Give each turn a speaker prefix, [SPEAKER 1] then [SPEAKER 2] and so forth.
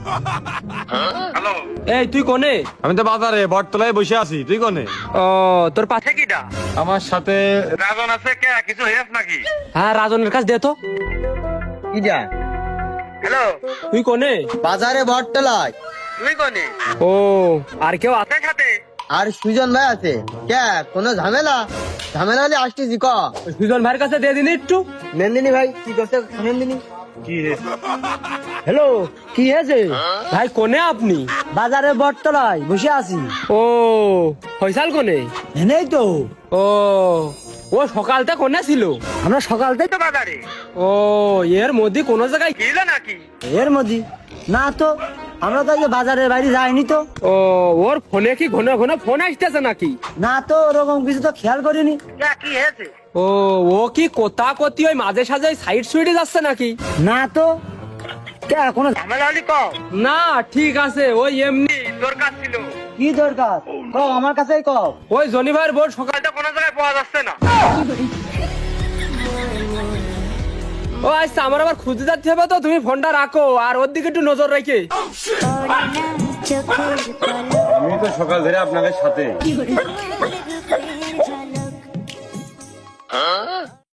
[SPEAKER 1] Hello,
[SPEAKER 2] এই তুই কোনে?
[SPEAKER 3] আমি তো বাজারে বটতলায় বসে আছি, তুই কোনে?
[SPEAKER 2] ও তোর পাশে
[SPEAKER 1] কিটা
[SPEAKER 3] আমার সাথে
[SPEAKER 1] রাজন আছে কে? কিছু হয়েছ নাকি?
[SPEAKER 2] হ্যাঁ রাজনের কাছে দে তো।
[SPEAKER 4] কি যা
[SPEAKER 1] হ্যালো,
[SPEAKER 2] তুই কোনে?
[SPEAKER 4] বাজারে বটতলায়।
[SPEAKER 1] তুই কোনে?
[SPEAKER 2] ও আর কেউ আছে?
[SPEAKER 1] আছে সাথে?
[SPEAKER 4] আর সুজন ভাই আছে। কে কোনো ঝামেলা? ঝামেলা হলে আসতেছি ক।
[SPEAKER 2] সুজন ভাইয়ের কাছে দিয়ে দিনি একটু।
[SPEAKER 4] নন্দিনী ভাই কি করছে নন্দিনী?
[SPEAKER 2] হ্যালো, কি হয়েছে ভাই? কোনে আপনি?
[SPEAKER 4] বাজারে বটতলায় বসে আছি।
[SPEAKER 2] ও ফয়সাল কোনে?
[SPEAKER 4] এনেই তো
[SPEAKER 2] ও ও সকালটা কোনে ছিল?
[SPEAKER 4] আমরা সকাল থেকে
[SPEAKER 1] তো বাজারে
[SPEAKER 2] ও এর মধ্যে কোন জায়গায়
[SPEAKER 1] গেল নাকি?
[SPEAKER 4] এর মধ্যে না তো, আমরা তো আজকে বাজারের বাইরে যাইনি তো।
[SPEAKER 2] ও ওর ফোনে কি ঘন ঘন ফোন আসতেছে নাকি?
[SPEAKER 4] না তো, ওরকম কিছু তো খেয়াল করিনি।
[SPEAKER 1] কে কি হয়েছে?
[SPEAKER 2] ও ও কি কোথা কতি ওই মাঝে সাঝে সাইড সুইডে যাচ্ছে নাকি?
[SPEAKER 4] না তো, কে কোনো
[SPEAKER 1] ঝামেলা হলি কও।
[SPEAKER 2] না ঠিক আছে, ওই এমনি
[SPEAKER 1] দরকার ছিল।
[SPEAKER 4] কি দরকার কও, আমার কাছেই কও।
[SPEAKER 2] ওই জনি ভাইয়ের বোন সকাল
[SPEAKER 1] কালটা কোনো জায়গায় পাওয়া যাচ্ছে না।
[SPEAKER 2] ও আচ্ছা আমার আবার খুঁজে যাচ্ছে হবে তো, তুমি ফোনটা রাখো আর ওর দিকে একটু নজর রেখে।
[SPEAKER 3] আমি তো সকাল ধরে আপনাদের সাথে